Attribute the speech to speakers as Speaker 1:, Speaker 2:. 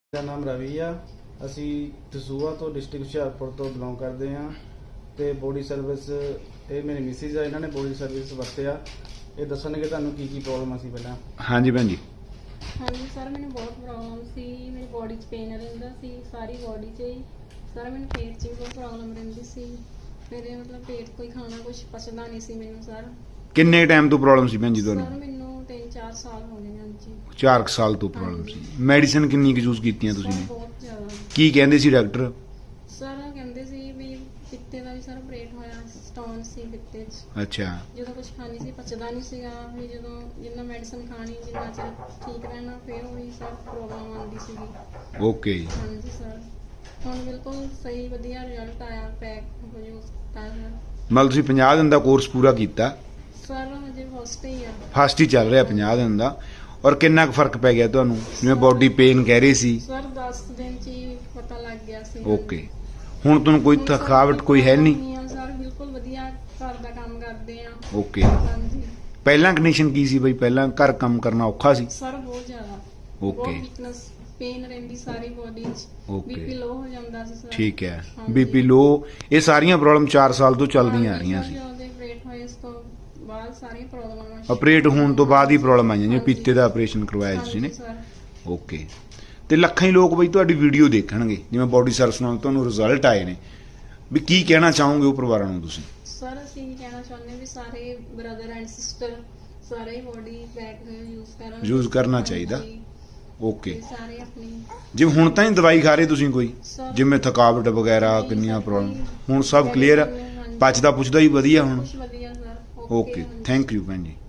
Speaker 1: ਮੇਰਾ ਨਾਮ ਰਵੀ ਆ। ਅਸੀਂ ਦਸੂਹਾ ਤੋਂ ਡਿਸਟ੍ਰਿਕਟ ਹੁਸ਼ਿਆਰਪੁਰ ਤੋਂ ਬਿਲੋਂਗ ਕਰਦੇ ਹਾਂ ਤੇ ਬੋਡੀ ਸਰਵਿਸ ਇਹ ਮੇਰੀ ਮਿਸਿਸ ਆ, ਇਹਨਾਂ ਨੇ ਬੋਡੀ ਸਰਵਿਸ ਵਰਤਿਆ। ਇਹ ਦੱਸਣਗੇ ਤੁਹਾਨੂੰ ਕੀ ਪ੍ਰੋਬਲਮ ਸੀ ਪਹਿਲਾਂ।
Speaker 2: ਹਾਂਜੀ ਭੈਣ ਜੀ।
Speaker 3: ਹਾਂਜੀ ਸਰ, ਮੈਨੂੰ ਬਹੁਤ ਪ੍ਰੋਬਲਮ ਸੀ। ਮੇਰੀ ਬੋਡੀ 'ਚ ਪੇਨ ਰਹਿੰਦਾ ਸੀ, ਸਾਰੀ ਬੋਡੀ 'ਚ ਹੀ। ਸਰ ਮੈਨੂੰ ਪੇਟ 'ਚ ਵੀ ਬਹੁਤ ਪ੍ਰੋਬਲਮ ਰਹਿੰਦੀ ਸੀ। ਮੇਰੇ ਮਤਲਬ ਪੇਟ ਕੋਈ ਖਾਣਾ ਕੁਝ ਪਚਦਾ ਨਹੀਂ ਸੀ ਮੈਨੂੰ ਸਰ।
Speaker 2: ਕਿੰਨੇ ਟਾਈਮ ਤੋਂ ਪ੍ਰੋਬਲਮ ਸੀ ਭੈਣ ਜੀ
Speaker 3: ਸਰ
Speaker 2: ਤੁਹਾਨੂੰ?
Speaker 3: ਮੈਨੂੰ 3-4 ਸਾਲ ਹੋ ਗਏ ਹਨ ਜੀ।
Speaker 2: 4 ਸਾਲ ਤੋਂ ਪ੍ਰੋਬਲਮ ਸੀ। ਮੈਡੀਸਿਨ ਕਿੰਨੀ ਕੁ ਯੂਜ਼ ਕੀਤੀਆਂ ਤੁਸੀਂ
Speaker 3: ਸਰ
Speaker 2: ਨੇ?
Speaker 3: ਬਹੁਤ ਜ਼ਿਆਦਾ।
Speaker 2: ਕੀ ਕਹਿੰਦੇ ਸੀ ਡਾਕਟਰ?
Speaker 3: ਸਰ ਕਹਿੰਦੇ ਸੀ ਵੀ ਪਿੱਤੇ ਦਾ ਵੀ ਸਰ ਆਪਰੇਟ ਹੋਇਆ, ਸਟੋਨ ਸੀ ਪਿੱਤੇ 'ਚ।
Speaker 2: ਅੱਛਾ।
Speaker 3: ਜਦੋਂ ਕੁਝ ਖਾਣੀ ਸੀ ਪਚਦਾ ਨਹੀਂ ਸੀਗਾ, ਵੀ ਜਦੋਂ ਜਿੰਨਾ ਮੈਡੀਸਨ ਖਾਣੀ ਜਿੰਨਾ ਚਿਰ ਠੀਕ ਰਹਿਣਾ ਫਿਰ ਉਹੀ ਸਰ ਪ੍ਰੋਬਲਮ ਆਉਂਦੀ ਸੀਗੀ।
Speaker 2: ਓਕੇ।
Speaker 3: ਹਾਂਜੀ ਸਰ, ਹੁਣ ਬਿਲਕੁਲ ਸਹੀ ਵਧੀਆ ਰਿਜ਼ਲਟ ਆਇਆ। ਪੈਕ ਯੂਜ਼ ਕੀਤਾ ਸਰ।
Speaker 2: ਮਤਲਬ ਤੁਸੀਂ 50 ਦਿਨ ਦਾ ਕੋਰਸ ਪੂਰਾ ਕੀਤਾ?
Speaker 3: ਸਰ ਹਜੇ ਫਸਟ ਹੀ ਆ।
Speaker 2: ਫਸਟ ਹੀ ਚੱਲ ਰਿਹਾ 50 ਦਿਨ ਦਾ। ਔਰ ਕਿੰਨਾ ਕੁ ਫਰਕ ਪੈ ਗਿਆ ਤੁਹਾਨੂੰ? ਜਿਵੇਂ ਬੋਡੀ ਪੇਨ ਕਹਿ ਰਹੇ ਸੀ।
Speaker 3: ਸਰ 10 ਦਿਨ ਚ ਹੀ ਪਤਾ ਲੱਗ ਗਿਆ ਸੀ।
Speaker 2: ਓਕੇ। ਹੁਣ ਤੁਹਾਨੂੰ ਕੋਈ
Speaker 3: ਹੁਣ ਸਰ
Speaker 2: ਥਕਾਵਟ ਕੋਈ ਹੈ ਨਹੀਂ?
Speaker 3: ਆ ਸਰ, ਬਿਲਕੁਲ ਵਧੀਆ ਘਰ ਦਾ ਕੰਮ ਕਰਦੇ ਆ।
Speaker 2: ਓਕੇ।
Speaker 3: ਹਾਂਜੀ
Speaker 2: ਪਹਿਲਾਂ ਕੰਡੀਸ਼ਨ ਕੀ ਸੀ ਬਈ? ਪਹਿਲਾਂ ਘਰ ਕੰਮ ਕਰਨਾ ਔਖਾ ਸੀ?
Speaker 3: ਸਰ ਬਹੁਤ ਜ਼ਿਆਦਾ।
Speaker 2: ਓਕੇ।
Speaker 3: ਬਹੁਤ ਵੀਕਨੈਸ, ਪੇਨ ਰਹਿੰਦੀ ਸਾਰੀ ਬੋਡੀ 'ਚ।
Speaker 2: ਓਕੇ।
Speaker 3: ਬੀਪੀ ਲੋ ਹੋ ਜਾਂਦਾ ਸੀ ਸਰ।
Speaker 2: ਠੀਕ ਹੈ।
Speaker 3: ਹਾਂਜੀ।
Speaker 2: ਬੀਪੀ ਲੋ, ਇਹ ਸਾਰੀਆਂ ਪ੍ਰੋਬਲਮ 4 ਸਾਲ ਤੋਂ ਚੱਲਦੀਆਂ ਆ ਰਹੀਆਂ ਸੀ।
Speaker 3: ਉਹਦੇ ਆਪਰੇਟ ਹੋਏ ਇਸ ਤੋਂ ਬਾਅਦ ਸਾਰੀਆਂ ਪ੍ਰੋਬਲਮਾਂ
Speaker 2: ਆਪਰੇਟ ਹੋਣ ਤੋਂ ਬਾਅਦ ਹੀ ਪ੍ਰੋਬਲਮ ਆਈਆਂ, ਜਿਵੇਂ ਪੀਤੇ ਦਾ ਆਪਰੇਸ਼ਨ ਕਰਵਾਇਆ ਤੁਸੀਂ ਨੇ।
Speaker 3: Sir
Speaker 2: okay. ਤੇ ਲੱਖਾਂ ਹੀ ਲੋਕ ਬਈ ਤੁਹਾਡੀ ਵੀਡੀਓ ਦੇਖਣਗੇ, ਜਿਵੇਂ ਬੋਡੀ ਸਰਵਿਸ ਨਾਲ ਤੁਹਾਨੂੰ ਰਿਜ਼ਲਟ ਆਏ ਨੇ, ਵੀ ਕੀ ਕਹਿਣਾ ਚਾਹੋਗੇ ਉਹ ਪਰਿਵਾਰਾਂ ਨੂੰ ਤੁਸੀਂ?
Speaker 3: ਸਰ ਅਸੀਂ ਇਹ ਕਹਿਣਾ ਚਾਹੁੰਦੇ ਵੀ ਸਾਰੇ ਬ੍ਰਦਰ ਐਂਡ ਸਿਸਟਰ ਸਾਰੇ ਹੀ ਬੋਡੀ ਪੈਕ ਯੂਜ਼ ਕਰਨਾ
Speaker 2: ਚਾਹੀਦਾ।
Speaker 3: ਹਾਂਜੀ।
Speaker 2: ਓਕੇ।
Speaker 3: ਤੇ ਸਾਰੇ ਆਪਣੀ
Speaker 2: ਜਿਵੇਂ ਹੁਣ ਤਾਂ ਹੀ ਦਵਾਈ ਖਾ ਰਹੇ ਤੁਸੀਂ ਕੋਈ,
Speaker 3: ਸਰ
Speaker 2: ਜਿਵੇਂ ਥਕਾਵਟ ਵਗੈਰਾ
Speaker 3: ਨਹੀਂ
Speaker 2: ਕਿੰਨੀਆਂ
Speaker 3: ਸਰ,
Speaker 2: ਪ੍ਰੋਬਲਮ?
Speaker 3: ਕੋਈ
Speaker 2: ਹੁਣ ਸਭ ਕਲੀਅਰ?
Speaker 3: ਹਾਂਜੀ।
Speaker 2: ਪਚਦਾ ਪੁੱਛਦਾ ਹੀ ਵਧੀਆ ਹੁਣ?
Speaker 3: ਕੁਛ ਵਧੀਆ ਸਰ।
Speaker 2: ਓਕੇ। ਥੈਂਕ ਯੂ ਭੈਣ ਜੀ।